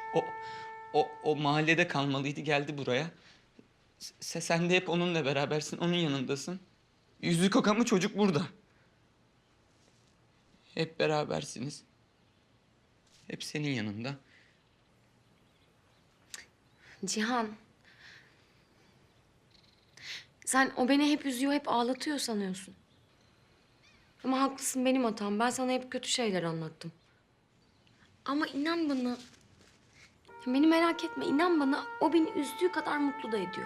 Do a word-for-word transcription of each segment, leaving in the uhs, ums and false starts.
O, o, o mahallede kalmalıydı, geldi buraya. Se, sen de hep onunla berabersin, onun yanındasın. Yüzü kokan çocuk burada. Hep berabersiniz. Hep senin yanında. Cihan. Sen o beni hep üzüyor, hep ağlatıyor sanıyorsun. Ama haklısın, benim hatam. Ben sana hep kötü şeyler anlattım. Ama inan bana... Beni merak etme, inan bana o beni üzdüğü kadar mutlu da ediyor.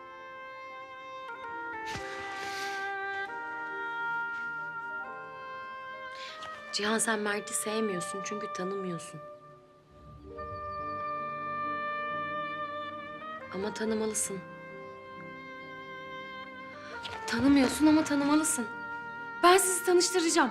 Cihan, sen Mert'i sevmiyorsun çünkü tanımıyorsun. Ama tanımalısın. Tanımıyorsun ama tanımalısın. Ben sizi tanıştıracağım.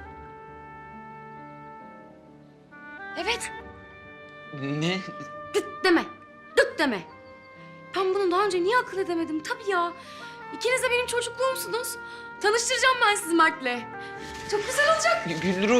Evet. Ne? Dıt deme. Dıt deme. Ben bunu daha önce niye akıl edemedim? Tabii ya. İkiniz de benim çocukluğumsunuz. Tanıştıracağım ben sizi Mert'le. Çok güzel olacak. Gülru.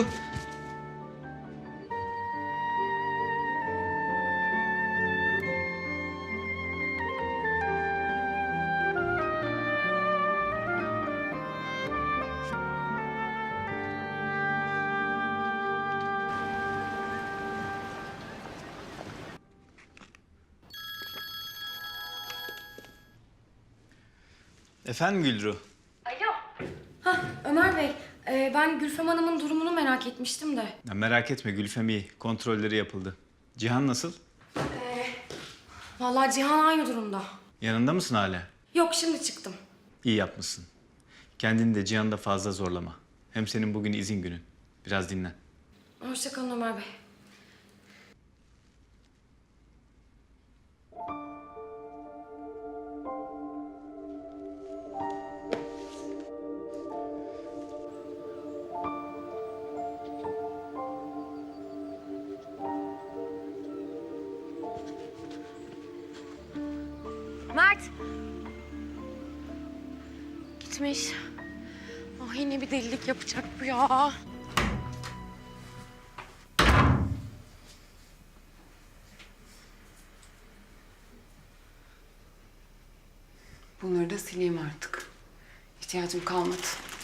Efendim Gülru? Alo. Ha Ömer Bey, e, ben Gülfem Hanım'ın durumunu merak etmiştim de. Ya merak etme Gülfem iyi. Kontrolleri yapıldı. Cihan nasıl? Vallahi Cihan aynı durumda. Yanında mısın hala? Yok, şimdi çıktım. İyi yapmışsın. Kendini de Cihan'ı da fazla zorlama. Hem senin bugün izin günün. Biraz dinlen. Hoşça kalın Ömer Bey. Mert. Gitmiş. Ah, yine bir delilik yapacak bu ya. Bunları da sileyim artık. İhtiyacım kalmadı.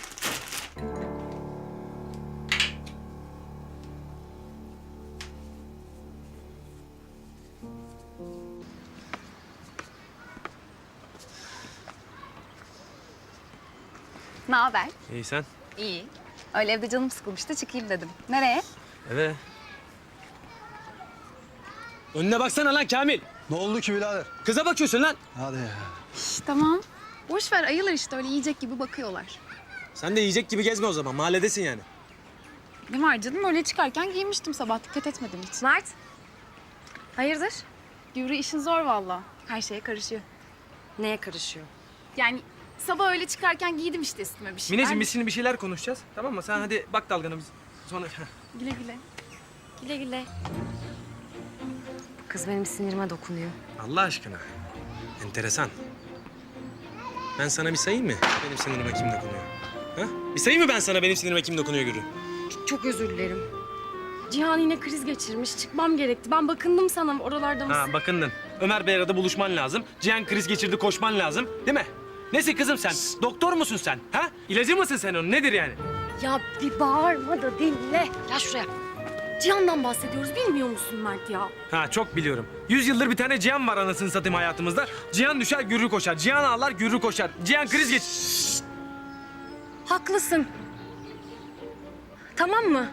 Ne haber? İyi sen? İyi. Öyle evde canım sıkılmıştı, çıkayım dedim. Nereye? Eve. Önüne baksana lan Kamil. Ne oldu ki birader? Kıza bakıyorsun lan. Hadi ya. Şş, tamam. Boş ver, ayılar işte öyle yiyecek gibi bakıyorlar. Sen de yiyecek gibi gezme o zaman. Mahalledesin yani. Ne var canım, öyle çıkarken giymiştim sabah, dikkat etmedim hiç. Mert. Hayırdır? Güvrü işin zor vallahi. Her şeye karışıyor. Neye karışıyor? Yani sabah öyle çıkarken giydim işte üstüme bir şeyler. Mineciğim biz şimdi bir şeyler konuşacağız. Tamam mı? Sen hadi bak dalgana biz sonra... Güle güle. Güle güle. Kız benim sinirime dokunuyor. Allah aşkına. Enteresan. Ben sana bir sayayım mı? Benim sinirime kim dokunuyor? Ha? Bir sayayım mı ben sana benim sinirime kim dokunuyor Gürü? Çok, çok özür dilerim. Cihan yine kriz geçirmiş. Çıkmam gerekti. Ben bakındım sana oralarda mısın? Ha bakındın. Ömer Bey arada buluşman lazım. Cihan kriz geçirdi koşman lazım. Değil mi? Nesi kızım sen? Doktor musun sen? Ha? İlacı mısın sen onun? Nedir yani? Ya bir bağırma da dinle. Gel şuraya. Cihan'dan bahsediyoruz. Bilmiyor musun Mert ya? Ha çok biliyorum. Yüz yıldır bir tane Cihan var anasını satayım hayatımızda. Cihan düşer Gürrü koşar. Cihan ağlar Gürrü koşar. Cihan kriz geç... Haklısın. Tamam mı?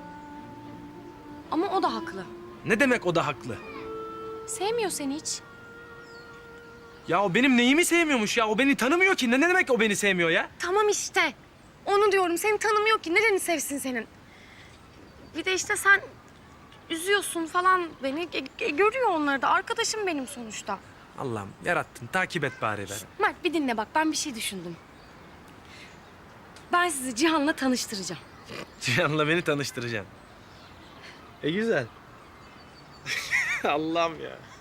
Ama o da haklı. Ne demek o da haklı? Sevmiyor seni hiç. Ya o benim neyimi sevmiyormuş ya? O beni tanımıyor ki. Ne, ne demek o beni sevmiyor ya? Tamam işte. Onu diyorum. Seni tanımıyor ki. Nereni sevsin senin? Bir de işte sen üzüyorsun falan beni. E, e, görüyor onları da. Arkadaşım benim sonuçta. Allah'ım yarattın. Takip et bari beni. Mert bir dinle bak. Ben bir şey düşündüm. Ben sizi Cihan'la tanıştıracağım. Cihan'la beni tanıştıracaksın. E güzel. Allah'ım ya.